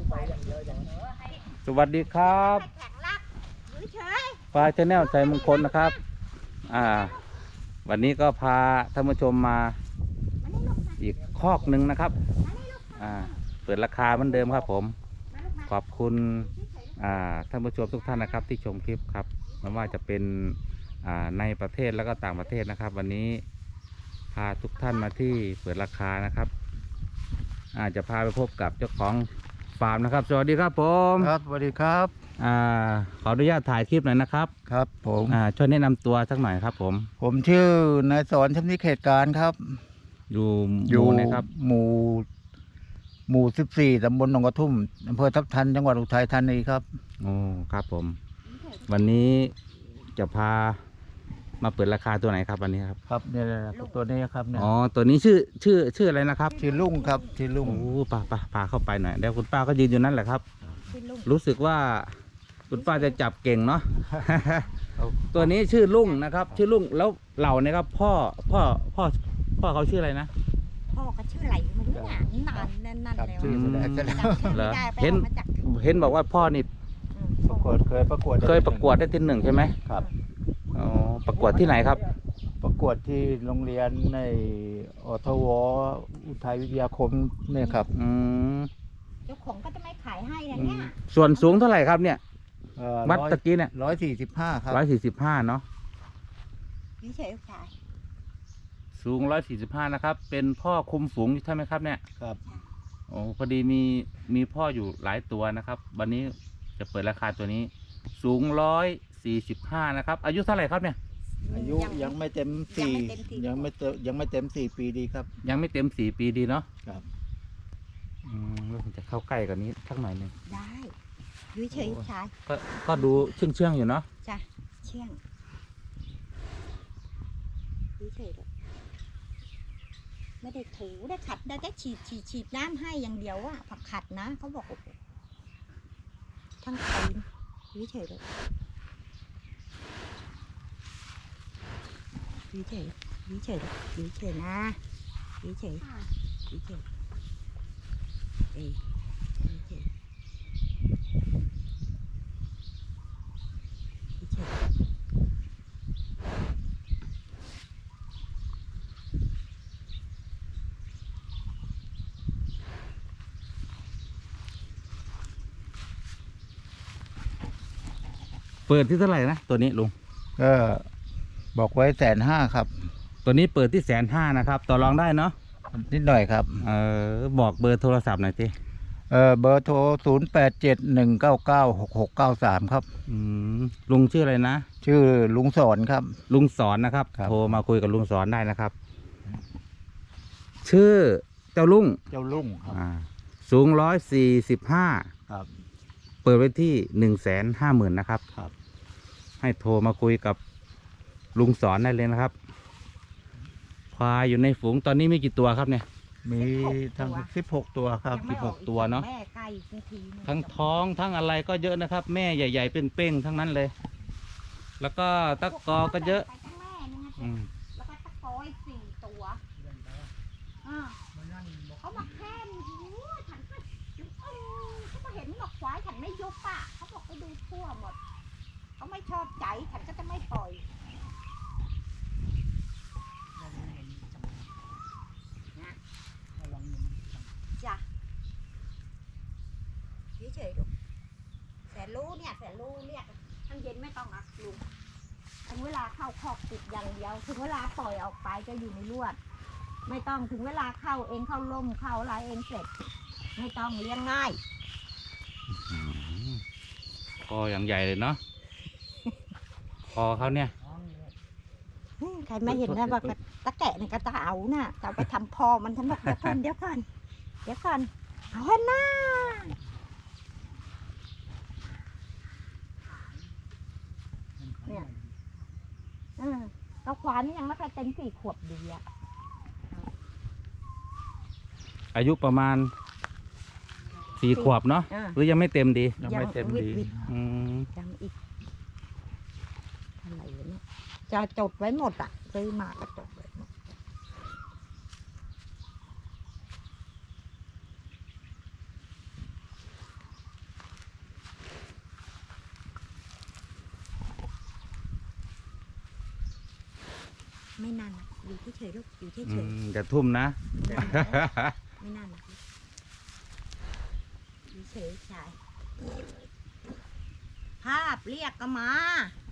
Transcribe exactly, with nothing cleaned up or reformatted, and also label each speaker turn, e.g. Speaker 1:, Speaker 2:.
Speaker 1: สวัสดีครับปลาชาแนลใจมงคลนะครับอ่าวันนี้ก็พาท่านผู้ชมมาอีกคอกหนึ่งนะครับอ่าเปิดราคาเหมือนเดิมครับผมขอบคุณอ่าท่านผู้ชมทุกท่านนะครับที่ชมคลิปครับไม่ว่าจะเป็นอ่าในประเทศแล้วก็ต่างประเทศนะครับวันนี้พาทุกท่านมาที่เปิดราคานะครับอาจจะพาไปพบกับเจ้าของฟาร์มนะครับสวัสดีครับผม
Speaker 2: ครับสวัสดีครับ
Speaker 1: อ่าขออนุญาตถ่ายคลิปหน่อยนะครับ
Speaker 2: ครับผม
Speaker 1: อ่าช่วยแนะนำตัวสักหน่อยครับผม
Speaker 2: ผมชื่อนายสอนชำนิเขตการครับ
Speaker 1: อยู่อยู่ไหนครับ
Speaker 2: หมู่หมู่สิบสี่ตำบลหนองกระทุ่มอำเภอทับทันจังหวัดอุทัยธานีครับ
Speaker 1: โอ้ครับผมวันนี้จะพามาเปิดราคาตัวไหนครับวันนี้ครับ
Speaker 2: ครับเนี่ยตัวนี้ครับเนี่ย
Speaker 1: อ๋อตัวนี้ชื่อชื่อชื่ออะไรนะครับ
Speaker 2: ชื่อลุงครับชื่อลุง
Speaker 1: โอ้ป้าป้าพาเข้าไปหน่อยเดี๋ยวคุณป้าก็ยืนอยู่นั่นแหละครับรู้สึกว่าคุณป้าจะจับเก่งเนาะ ตัวนี้ชื่อลุงนะครับชื่อลุงแล้วเหล่าเนี่ยครับพ่อพ่อพ่อพ่อเขาชื่ออะไรนะ
Speaker 3: พ่อก็ชื่ออะไรไม่รู้อ่ะนานนั่นนั่นแล้ว
Speaker 2: ชื่อไม่ได้จะแล้ว
Speaker 1: เหรอเห็นเห็นบอกว่าพ่อนี่
Speaker 2: ประกวดเคยประกวด
Speaker 1: เคยประกวดได้ที่หนึ่งใช่ไหม
Speaker 2: ครับ
Speaker 1: อ๋อประกวดที่ไหนครับ
Speaker 2: ประกวดที่โรงเรียนในอทวอุทัยวิทยาคมเนี่ยครับ
Speaker 1: อืม
Speaker 3: เจ้าของก็จะไม่ขายให้นะเนี่ย
Speaker 1: ส่วนสูงเท่าไหร่ครับเนี่ยวัดตะกี้เนี่ย
Speaker 2: ร้อยสี่สิบห้าครับ
Speaker 1: ร้อยสี่สิบห้าเนาะ
Speaker 3: นี่เฉยขาย
Speaker 1: สูงร้อยสี่สิบห้านะครับเป็นพ่อคุมฝูงใช่ไหมครับเนี่ย
Speaker 2: ครับ
Speaker 1: โอ้พอดีมีมีพ่ออยู่หลายตัวนะครับวันนี้จะเปิดราคาตัวนี้สูงร้อยสี่สิบห้านะครับอายุเท่าไหร่ครับเนี่ย
Speaker 2: อายุยังไม่เต็มสี่ยังไม่เต็มยังไม่เต็มสี่ปีดีครับ
Speaker 1: ยังไม่เต็มสี่ปีดีเนาะ
Speaker 2: ครับ
Speaker 1: อืมแล้วผมจะเข้าใกล้กว่านี้สักหน่อยหนึ่ง
Speaker 3: ได้ยุ้ยเฉยชาย
Speaker 1: ก็ก็ดูเชื่องเชื่องอยู่เนาะ
Speaker 3: จ้ะเชื่องยุ้ยเฉยไม่ได้ถูได้ขัดได้แค่ฉีดฉีดฉีดน้ำให้อย่างเดียวอะผักขัดนะเขาบอกทั้งตีนยุ้ยเฉยเลยยุ้ยเฉยยุ้ยเฉยยุ้ยเฉยนะยุ้ยเฉยยุ้ยเฉยเอ้ยยุ้ยเฉยยุ้ยเฉย
Speaker 1: เปิดที่เท่าไหร่นะตัวนี้ลุง
Speaker 2: ก็บอกไว้แสนห้าครับ
Speaker 1: ตัวนี้เปิดที่แสนห้านะครับต่อรองได้เนาะ
Speaker 2: นิดหน่อยครับ
Speaker 1: เออบอกเบอร์โทรศัพท์หน่อยสิ
Speaker 2: เออเบอร์โทรศูนย์แปดเจ็ดหนึ่งเก้าเก้าหกหกเก้าสามครับ
Speaker 1: อืมลุงชื่ออะไรนะ
Speaker 2: ชื่อลุงสอนครับ
Speaker 1: ลุงสอนนะครับโทรมาคุยกับลุงสอนได้นะครับชื่อเจ้าลุง
Speaker 2: เจ้าลุงครับ
Speaker 1: สูงร้อยสี่สิบห้า
Speaker 2: ครับ
Speaker 1: เปิดไว้ที่หนึ่งแสนห้าหมื่นนะครับ
Speaker 2: ครับ
Speaker 1: ให้โทรมาคุยกับลุงสอนได้เลยนะครับควายอยู่ในฝูงตอนนี้มีกี่ตัวครับเนี่ย
Speaker 2: มีทั้งสิบหกตัวครับ
Speaker 1: สิบหกตัวเนาะทั้งท้องทั้งอะไรก็เยอะนะครับแม่ใหญ่ๆเป้งๆทั้งนั้นเลยแล้วก็ตะกอก็เยอะ
Speaker 3: อืมแล้วก็ตะกออีกสี่ตัวเขาบอกแค่นี้ฉันก็เขาก็เห็นบอกควายฉันไม่ยุบอ่ะเขาบอกไปดูทั่วหมดเขาไม่ชอบใจฉันก็จะไม่ปล่อยจ้ะเฉยๆดูแสนรู้เนี่ยแสนรู้เรียกทั้งเย็นไม่ต้องนะลุงถึงเวลาเข้าคอกติดอย่างเดียวถึงเวลาปล่อยออกไปจะอยู่ในลวดไม่ต้องถึงเวลาเข้าเองเข้าล่มเข้าอะไรเองเสร็จไม่ต้องเลี้ยงง่าย
Speaker 1: คออย่างใหญ่เลยเนาะคอเขาเนี่ย
Speaker 3: ใครไม่เห็นนะบอกตะแกะเนี่ยก็จะเอาน่ะจะเอาไปทำพอมันฉันบอกเดี๋ยวก่อนเดี๋ยวก่อนเดี๋ยวก่อนเอาให้หน้าเนี่ยเออเราควานนี่ยังไม่เคยเต็มสี่ขวบดีอะ
Speaker 1: อายุประมาณสี่ขวบเนาะหรือยังไม่เต็มดี
Speaker 2: ยังไม่เต็มดี
Speaker 3: ยังอีกอะไรเนี่ยจะจดไว้หมดอ่ะซื้อมาก็จดไว้หมดไม่นานนะอยู่เฉยๆลูกอยู่เฉ
Speaker 1: อื
Speaker 3: ย
Speaker 1: มจะทุ่มนะ
Speaker 3: ๆไม่นานนะอยู่เฉยๆชายภาพเรียกก็มา